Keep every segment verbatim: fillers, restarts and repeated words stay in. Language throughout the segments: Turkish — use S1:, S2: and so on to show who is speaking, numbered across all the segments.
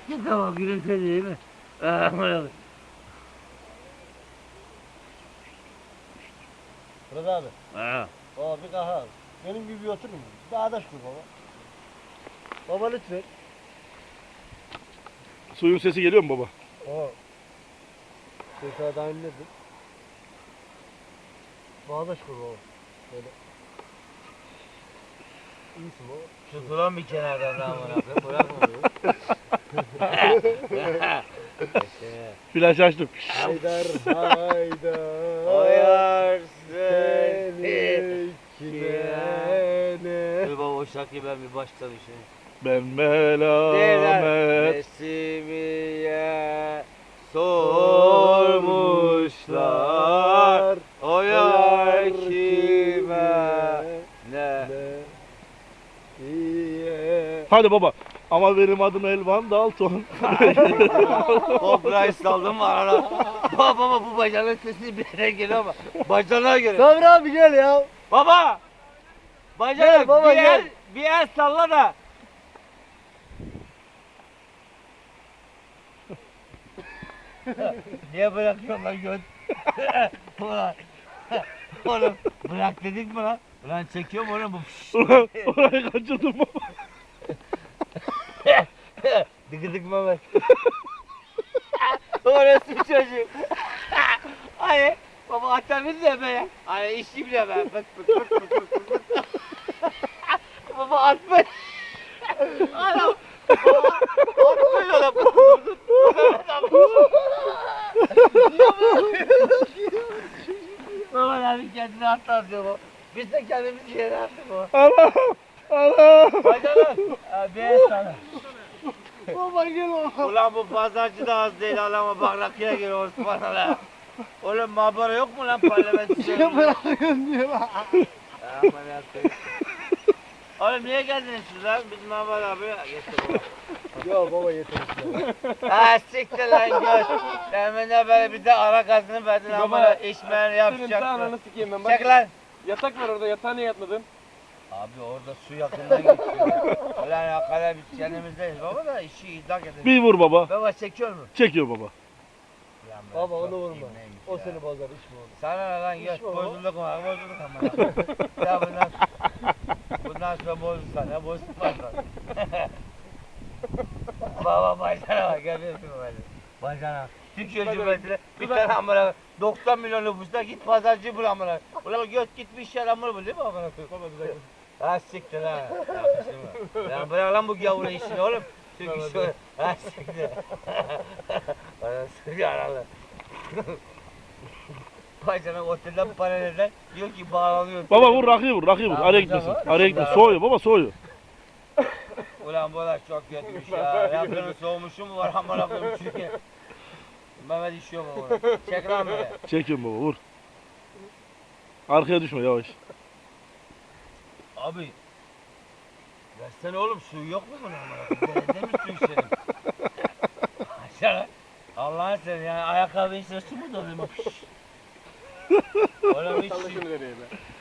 S1: Tamam gülümsedi değil mi?
S2: Fırat abi.
S1: Ha.
S2: Baba bir kahve al. Benim gibi bir oturur mu? Bir ağdaş kur baba. Baba lütfen.
S3: Suyun sesi geliyor mu baba?
S2: Baba. Şey sana daha inledim. Bağdaş kur baba. Böyle. İyisin baba.
S1: Tutulan bir kenardan daha bana. Bırakma bunu.
S3: Flaş açtım.
S2: Haydar haydar.
S1: Oyar
S2: seni
S1: seni
S2: kine.
S1: Dur baba o şarkıyı ben bir baştan işe.
S3: Ben melamet.
S1: Resimiye sormuşlar. O yar kime ne?
S2: İyi.
S3: Hadi baba. Ama benim adım Elvan Dalton.
S1: Toprağı saldım var ara. Baba baba bu bacanın sesi bir yere geliyor ama bacana göre.
S2: Sabri abi gel ya.
S1: Baba! Bacana
S2: Gel baba,
S1: bir el,
S2: gel.
S1: bir el salla da. Niye bırakıyorsun lan göt? Ulan. Oğlum bırak dedik mi lan? Ulan çekiyorum oğlum bu.
S3: Ulan orayı kaçırdım baba.
S1: Dıkıdık Mehmet. Orası bir çocuk. Hani baba atamız ya be. Hani işim de ben. Bık bık bık bık bık bık. Baba atma. Anam. Baba atmayın ona. Baba abi kendini atlatıyor bu. Biz de kendimizi yere attık o.
S3: Allah! Allah!
S1: Bacanak. Abi sana.
S2: Baba gel oğlum.
S1: Ulan bu pazarcı da az değil alama bak rakıya gir Osman'a lan. Oğlum mabara yok mu lan parlamento?
S2: Niye bırakıyorsun diyor lan.
S1: Aman yapayım. Oğlum niye geldiniz siz lan? Biz Mahmut abi getir baba.
S2: Yok baba yeter.
S1: Ha siktir lan göz. Hemen de böyle bir de ara gazını verdin ama işmen
S4: Senin
S1: yapacak.
S4: ananı sikeyim ben. Bak,
S1: Çek lan.
S4: yatak var orada, yatağa niye yatmadın?
S1: Abi orada su yakından geçiyor. Ulan hakikaten biz kendimizdeyiz baba da işi idrak edelim.
S3: Bir vur baba.
S1: Baba çekiyor mu?
S3: Çekiyor baba.
S1: Ulan ben
S2: Baba
S1: çok
S2: onu vurma.
S1: iyiyim,
S2: O
S1: ya.
S2: seni bozar içme onu.
S1: Sana ne lan göz
S2: İşme baba.
S1: bozulduk mu? Bozulduk ama. Ya bundan, bundan sonra bozulsan ya bozulmaz lan. Baba bacana bak görüyorsun mu böyle? Bacana. Türkiye Cumhuriyeti'ne bir tane amına doksan milyon nüfusta git pazarcı bul amına. Ulan göt gitmiş yer amına bul değil mi amına?
S4: Baba güzel.
S1: Ha siktir ha. Yakışır mı? Lan bırak lan bu gavurun işini oğlum. Çünkü şu ha siktir. Anasını yaralı. Bacana otelden paralelden diyor ki bağlanıyor.
S3: Baba vur rakıyı vur rakıyı vur.
S1: Tamam,
S3: Araya gitmesin.
S1: tamam.
S3: Araya gitmesin.
S1: Tamam.
S3: Soğuyor baba soğuyor.
S1: Ulan bu da çok kötüymüş ya. Yakının soğumuşu mu var amına koyayım çünkü. Mehmet işiyor mu bunu? Çek lan böyle.
S3: Çekiyorum baba vur. Arkaya düşme yavaş.
S1: Abi. Versene oğlum suyu yok mu bunun amına koyayım? Denede mi su içelim? Aşağı. Allah'ın seni yani ayakkabı içine su mu doluyor mu? Oğlum hiç
S4: Salla
S1: su.
S4: şunu nereye be?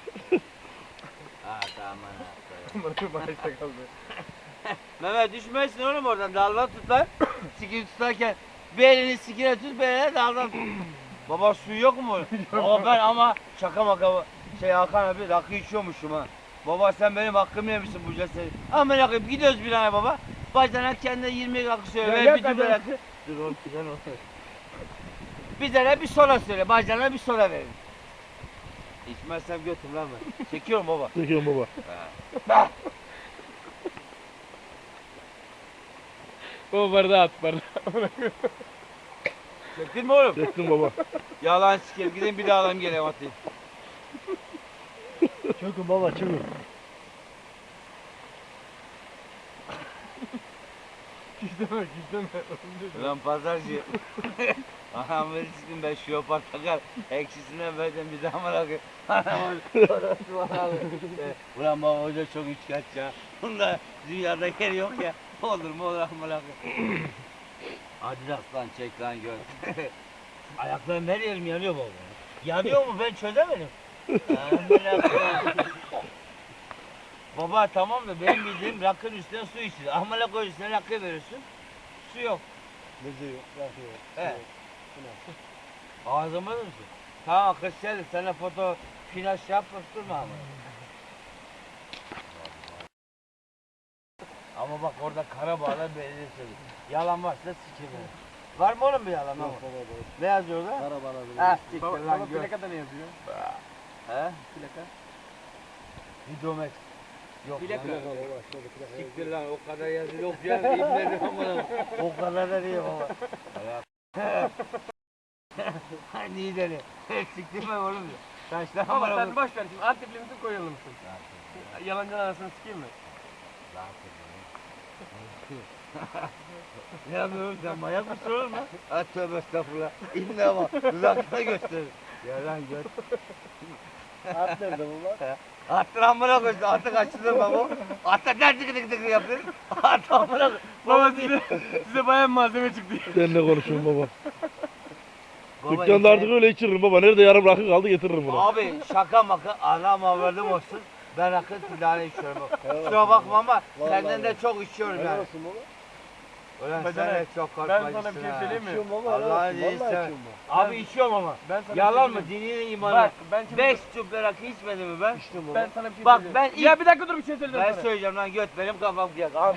S1: Ha tamam ha.
S4: Bana maaşta kaldı.
S1: Mehmet düşmesin oğlum oradan daldan tut lan. Sikini tutarken bir elini sikine tut bir eline daldan tut. Baba suyu yok mu? Baba ben ama şaka maka şey Hakan abi rakı içiyormuşum ha. Baba sen benim hakkımı yemişsin bu cesedi. Ama rakı gidiyoruz bir ay baba. Bacanak kendine yirmi rakı söyle.
S4: Ya
S1: Ver
S4: yok
S1: bir dübe
S4: adam.
S1: rakı. Dur oğlum güzel olsun. Bize de bir sola söyle. Bacana bir sola verin. İçmezsem götür lan ben. Çekiyorum baba.
S3: Çekiyorum baba.
S1: Bah.
S4: Baba bardağı at bardağı.
S1: Çektin mi oğlum?
S3: Çektim baba.
S1: Yalan sikeyim gidin bir daha alayım geleyim atayım.
S2: Çökün baba çökün.
S4: Gizleme gizleme.
S1: Ulan pazarcı. Anam verirsin ben şu yapar takar. Eksisinden vereceğim bir daha bırakır. Anam orası var abi. Ulan baba hoca çok üçkaç ya. Bunda dünyada yeri yok ya. Olur mu olur mu bırakır. Hadi aslan çek lan gör. Ayaklarım her yerim yanıyor baba. Yanıyor mu ben çözemedim. Baba tamam da benim bildiğim rakının üstüne su içilir. Ahmala koy üstüne rakı veriyorsun. su yok.
S2: Bezi yok, rakı yok. su
S1: He.
S2: yok. Bu ne?
S1: Ağzıma mısın? Tamam kız Selin sana foto flash yap durma ama. Ama bak orada Karabağlar Belediyesi. Yalan varsa sikeyim. Var mı oğlum bir yalan?
S2: Yok
S1: Ama?
S2: baba baba.
S1: Ne yazıyor orada?
S2: Arabalar
S1: Ha siktir
S4: Baba,
S1: lan
S4: baba
S1: gör.
S4: plakada ne yazıyor?
S1: He?
S4: Plaka.
S1: Hidromex. Yok
S4: Plaka.
S1: lan.
S2: Plaka baba, şöyle plaka
S1: Siktir lan o kadar yazılı yok ya. İbnedim ama. O kadar da değil baba. Hani iyi deli. Siktirme oğlum. Taşlar
S4: Baba
S1: ama.
S4: sen boş ver şimdi Antepli misin Konyalı mısın? Yalancının arasını sikeyim mi?
S1: Ne yapıyorsun sen manyak mısın oğlum lan? Ha tövbe estağfurullah. İbne ama uzakta gösterir. Ya lan gör.
S2: At nerede baba?
S1: Attır amına koysun. Atı kaçırma bu. Atı der tıkı tıkı tıkı yapıyor. Atı amına koysun.
S4: Baba size, size bayağı malzeme çıktı.
S3: Sen ne konuşuyorsun baba?
S1: Baba,
S3: Dükkanda artık
S1: işte-
S3: öyle içiririm baba. Nerede yarım rakı kaldı getiririm bunu.
S1: Abi şaka maka anam avradım olsun. Ben akıl tane içiyorum. bak. Kusura bakma ama
S2: Vallahi
S1: senden de
S2: bak.
S1: çok içiyorum
S2: Helal
S1: yani.
S2: olsun baba.
S1: Ulan sen
S4: Bacanak,
S1: de çok
S4: Ben
S1: korkmacısın
S4: sana bir şey
S1: ha.
S4: söyleyeyim mi?
S2: İçiyorum baba. helal
S1: Allah'ın
S2: olsun.
S1: iyisi.
S2: Vallahi içiyorum ben.
S1: Abi içiyorum ama.
S4: Ben sana bir
S1: Yalan
S4: şey
S1: mı?
S4: söyleyeyim.
S1: Dininin imanı.
S4: Bak ben şimdi
S1: Beş tüp rakı içmedim mi ben?
S2: İçtim baba.
S4: ben sana bir şey
S1: Bak,
S4: söyleyeyim.
S1: ben ilk-
S4: Ya bir dakika dur bir şey söyleyeceğim
S1: Ben
S4: sana.
S1: söyleyeceğim lan göt benim kafam kıyak abi.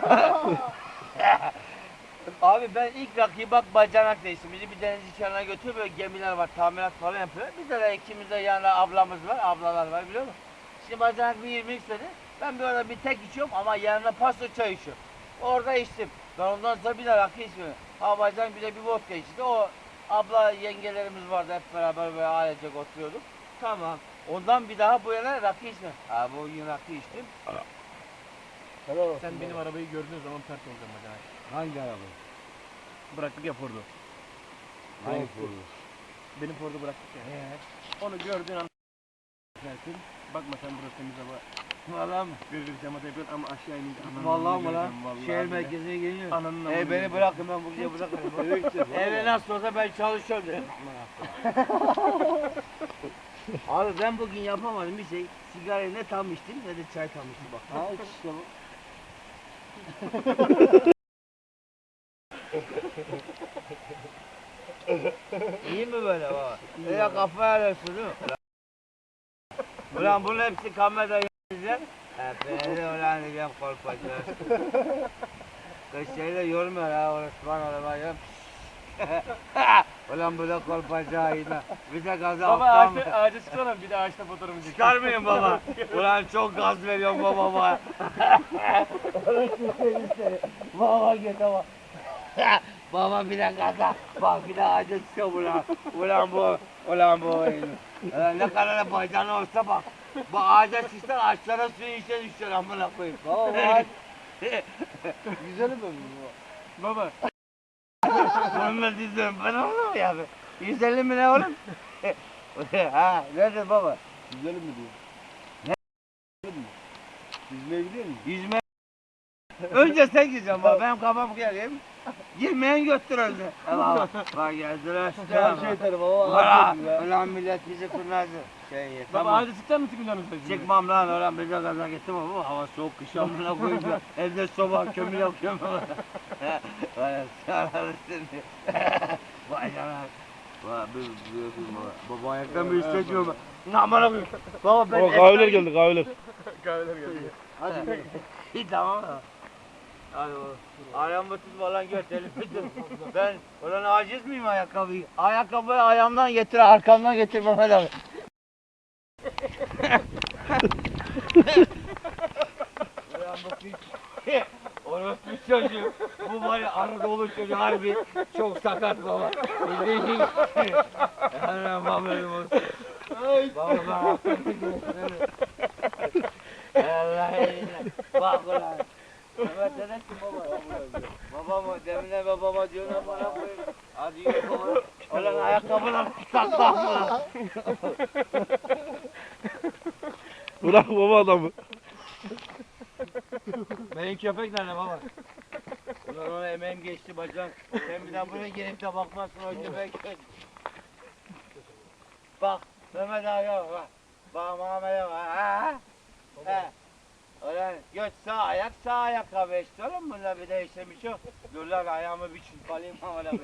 S1: Abi ben ilk rakıyı bak bacanak değiştim. Bizi bir deniz kenarına götürüyor böyle gemiler var tamirat falan yapıyorlar. Bizde de ikimiz de yanında ablamız var ablalar var biliyor musun? Şimdi bacanak bir yirmi istedi. Ben böyle bir tek içiyorum ama yanına paso çay içiyorum. Orada içtim. Ben ondan sonra bir de rakı içmiyorum. Ha bacanak bir de bir vodka içti. O abla yengelerimiz vardı hep beraber böyle ailecek oturuyorduk. Tamam. Ondan bir daha bu yana rakı içmiyorum. Ha bu gün rakı içtim.
S2: Helal olsun.
S4: Sen
S2: baba.
S4: benim arabayı gördüğün zaman pert olacağım bacanak.
S1: Hangi araba?
S4: Bıraktık ya Ford'u.
S1: Hangi
S4: Benim Ford'u bıraktık ya. Onu gördüğün an dersin. Bakma sen burası temiz hava.
S1: Valla mı?
S4: Gözü camada yapıyorsun ama aşağı inince ananı
S1: Vallahi mı lan?
S4: göreceğim, vallahi
S1: Şehir
S4: bile.
S1: merkezine geliyor.
S4: Ananın amını
S1: E beni
S4: göreceğim.
S1: bırakın ben buraya bırakırım.
S2: Eve gideceğiz.
S1: Eve nasıl olsa ben çalışıyorum dedim. Abi ben bugün yapamadım bir şey. Sigarayı ne tam içtim ne de çay tam içtim bak.
S2: Ha iç işte bu.
S1: İyi mi böyle baba? Ya kafaya alıyorsun değil mi? Ulan bunun hepsi kamerada yiyeceğim. Hepinizi ulan diyeceğim korkacağız. Kız şeyle yormuyor ha orası bana arabayı. Ulan bu da kolpacağı yine. Bir de gazı
S4: Baba
S1: alttan mı?
S4: ağaçta, ağaca çıksana bir de ağaçta fotoğrafı çek.
S1: Çıkar mıyım baba? Ulan çok gaz veriyorum baba baba. Baba git baba. Baba bir de gaza. Bak bir de ağaca çıkıyor ulan. Ulan bu. Ulan bu. Ulan ne kadar bacağın olsa bak. Bu ağaca çıksan ağaçlara suyu içe düşer amına koyayım.
S2: Baba bak. Güzelim mi bu?
S4: Baba
S1: Bununla dizdim ben oğlum ya. yüz elli mi ne oğlum? Ha nedir baba?
S2: Güzelim mi diyor. Ne? Yüzmeye gidiyor musun?
S1: Yüzme. Önce sen gireceksin baba. Benim kafam kıyayım. Girmeyen götür önce. Bak bak geldiler işte.
S2: Her şey yeter baba.
S1: Ulan,
S2: Aferin ya.
S1: ulan millet bizi kurnazı. Şey
S4: baba
S1: tamam.
S4: ağaca çıkacak mısın canım sen şimdi?
S1: Çıkmam lan ulan bize gaza getirme baba. Hava soğuk kış amına koyunca. Evde soba kömür yakıyorum. Vay sararı seni. Vay canına. Vay bir bir baba. Baba ayaktan bir hissediyorum. ben. Amına koyayım. Baba ben
S3: Baba kahveler geldi kahveler.
S4: Kahveler geldi.
S2: Hadi gel.
S1: İyi tamam mı? Hadi oğlum. Ayağımı tutma lan göt elimi tut. Ben ulan aciz miyim ayakkabıyı? Ayakkabıyı ayağımdan getir, arkamdan getir Mehmet abi. Ulan bu piç. Orospu çocuğu. Bu var ya Anadolu çocuğu harbi çok sakat baba. Bildiğin Hemen babam olsun. Baba ben hakkımı gösterelim. Allah eline. Bak ulan. Mehmet demek ki baba. Baba mı? Demine babama diyorsun ama bana koyun. Hadi yürü baba. Ulan ayakkabılar saklan mı?
S3: Bırak baba adamı.
S1: Benim köpek nerede baba? Ulan ona emeğim geçti bacak. Sen bir daha buraya gelip de bakmazsın o köpek. Bak Mehmet abi bak. Bak Mehmet abi. Ha? He. Öyle göç sağ ayak sağ ayakkabı işte oğlum bunda bir değişen bir şey yok. Dur lan ayağımı bir çırpalayım ama lan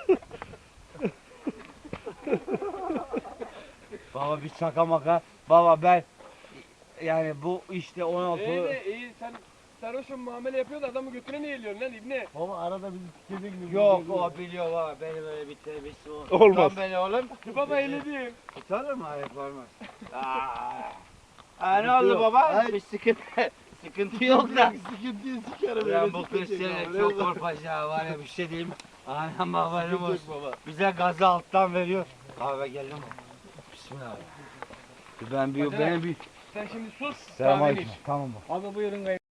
S1: Baba bir şaka maka. Baba ben yani bu işte on altı.
S4: İyi de iyi sen sarhoşum muamele yapıyor da adamı götüne niye eğiliyorsun lan ibne?
S2: Baba arada bizi tükedi gibi.
S1: Yok
S2: geliyor.
S1: o biliyor baba benim öyle bir terbiyesi olur.
S3: Olmaz.
S1: Tutan beni oğlum.
S4: Baba eğledim.
S1: Tutarır mı? Hayır olmaz. Aa. Aa, ne oldu
S2: yok.
S1: baba?
S2: Ay.
S1: Bir sıkıntı, sıkıntı yok da.
S2: Sıkıntıyı sikerim.
S1: Ben
S2: öyle
S1: bu
S2: sıkıntı
S1: kız
S2: yok.
S1: seni
S2: Öyle
S1: çok
S2: yok.
S1: korkacağı var ya bir şey diyeyim. Anam haberim
S2: Sıkıntı yok
S1: olsun.
S2: baba.
S1: Bize gazı alttan veriyor. Kahve geldi mi? Bismillah. Ben bir,
S4: Hadi
S1: benim bir...
S4: Sen şimdi sus.
S1: Selam
S4: kahveni iç.
S1: aleyküm. Tamam bak.
S4: Abi buyurun